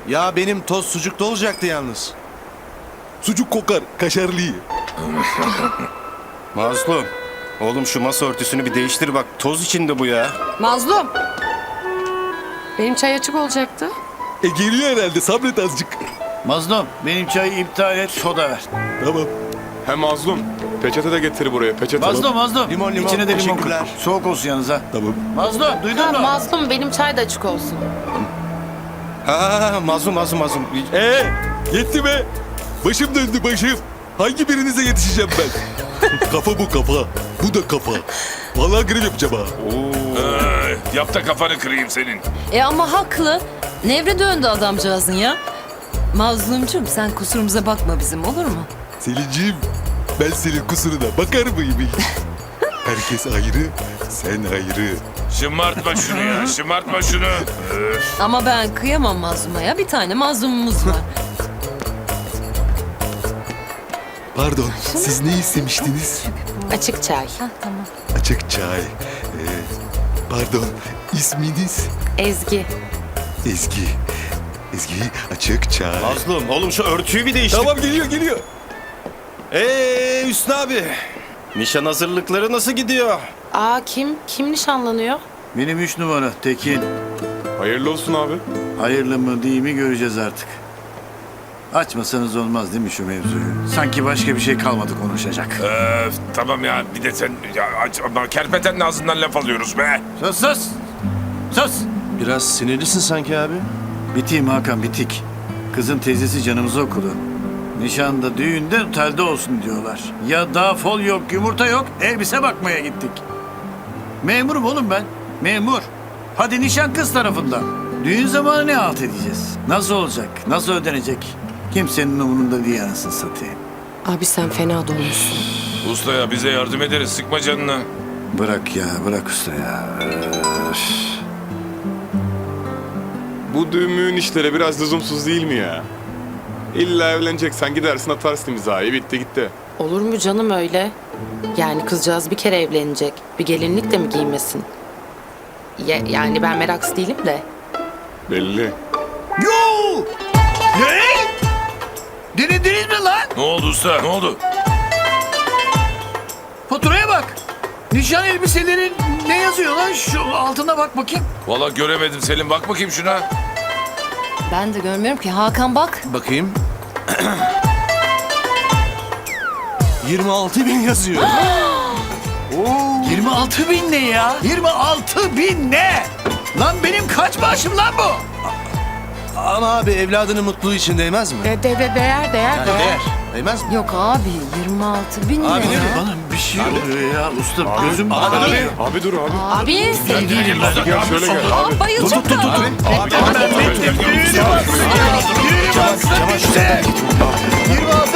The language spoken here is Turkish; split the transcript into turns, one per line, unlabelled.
Ya benim toz sucukta olacaktı yalnız.
Sucuk kokar, kaşarlı.
Mazlum. Oğlum şu masa örtüsünü bir değiştir bak. Toz içinde bu ya.
Mazlum. Benim çay açık olacaktı.
Geliyor herhalde, sabret azıcık.
Mazlum benim çayı iptal et, soda ver.
Tamam.
Hem mazlum. Peçete de getir buraya. Peçete.
Mazlum.
Limon, limon.
İçine de limon koy.
Teşekkürler.
Soğuk olsun yalnız ha.
Tamam.
Mazlum duydun mu?
Mazlum benim çay da açık olsun.
Ha mazlum.
Yetti be. Başım döndü başım. Hangi birinize yetişeceğim ben? Kafa bu kafa. Bu da kafa. Vallahi grev yapacağım ha.
Yap da kafanı kırayım senin.
Ama haklı. Nevre döndü adamcağızın ya. Mazlumcum sen kusurumuza bakma bizim, olur mu?
Selinciğim, ben senin kusuruna bakar mıyım hiç? Herkes ayrı, sen ayrı.
Şımartma şunu ya, şımartma şunu.
Ama ben kıyamam mazluma ya. Bir tane mazlumumuz var.
Pardon, siz ne istemiştiniz?
Açık çay.
Tamam.
Açık çay. Pardon, isminiz?
Ezgi.
Ezgi. Ezgi, açık çay.
Mazlum oğlum şu örtüyü bir değiştir.
Tamam geliyor.
Hüsnü abi. Nişan hazırlıkları nasıl gidiyor?
Aa kim nişanlanıyor?
Benim 3 numara Tekin.
Hayırlı olsun abi.
Hayırlı mı değil mi göreceğiz artık. Açmasanız olmaz değil mi şu mevzuyu? Sanki başka bir şey kalmadı konuşacak.
Tamam ya, bir de sen ya, ama kerpetenin ağzından laf alıyoruz be.
Sus.
Biraz sinirlisin sanki abi.
Biteyim Hakan bitik. Kızın teyzesi canımızı okudu. Nişanda, düğünde, otelde olsun diyorlar. Ya daha fol yok, yumurta yok, elbise bakmaya gittik. Memurum oğlum ben, memur. Hadi nişan kız tarafından. Düğün zamanı ne halt edeceğiz? Nasıl olacak, nasıl ödenecek? Kimsenin umurunda değil anasını satayım.
Abi sen fena dolmuşsun.
Usta ya, bize yardım ederiz, sıkma canını.
Bırak usta ya. Öf.
Bu düğün işleri biraz lüzumsuz değil mi ya? İlla evleneceksen gidersin atarsın imzayı. Bitti gitti.
Olur mu canım öyle? Yani kızcağız bir kere evlenecek. Bir gelinlik de mi giymesin? Yani ben meraksız değilim de.
Belli.
Yo! Ne? Denediniz mi lan?
Ne oldu usta, ne oldu?
Faturaya bak. Nişan elbiselerin ne yazıyor lan? Şu altına bak bakayım.
Vallahi göremedim Selim, bak bakayım şuna.
Ben de görmüyorum ki. Hakan bak.
Bakayım. 26.000 yazıyor.
26.000 ne ya? 26.000 ne? Lan benim kaç maaşım lan bu?
Ama abi evladının mutluluğu için değmez mi?
Değer.
Değer. Değmez mi?
Yok abi 26 bin ne
Abi,
ya?
Bana bir şey oluyor ya usta. Gözüm
Abi dur abi.
Abi.
değilim ben.
Gel şöyle gel abi.
Aa, bayılacak da.
Düğünü bastın işte. 26